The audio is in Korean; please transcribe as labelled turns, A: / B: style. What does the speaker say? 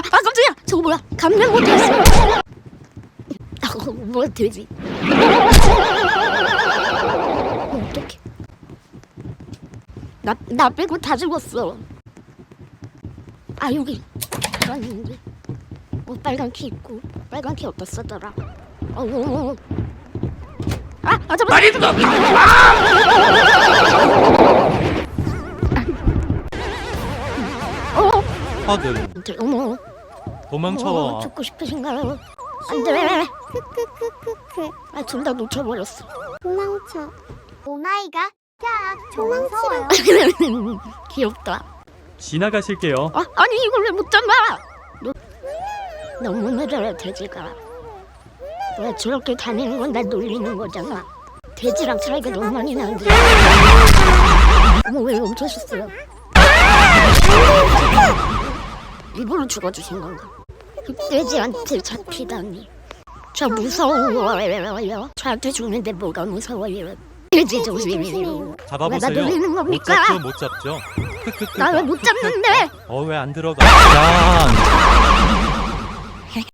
A: 깜짝이야. 저거 뭐야? 감당 못했어. 뭐야 돼지. 어떡해. 나 빼고 다 죽었어. 아 여기 들어왔는데. 빨간 키 있고. 빨간 키 어디다 쓰더라. 잠깐만.
B: 빨리 들어. 아들
A: 어머.
B: 도망쳐.
A: 죽고 싶으신가요? 안돼. 둘 다 놓쳐버렸어.
C: 도망쳐. 오마이갓. 야, 도망치라.
A: 귀엽다.
B: 지나가실게요.
A: 아니 이걸 왜 못 잡아? 너무 느려요 돼지가. 왜 저렇게 다니는 건 날 놀리는 거잖아. 돼지랑 차이가 너무 많이 나는데. 어머 왜 멈춰셨어요? 일부러 죽어주신 건가? 돼지한테 잡히다니. 저 무서워요. 저한테 죽는데 뭐가 무서워요? 돼지 조심해요.
B: 잡아보세요.
A: 왜 나 놀리는 겁니까?
B: 못 잡죠.
A: 나 왜 못 잡는데?
B: 왜 안 들어가? 야.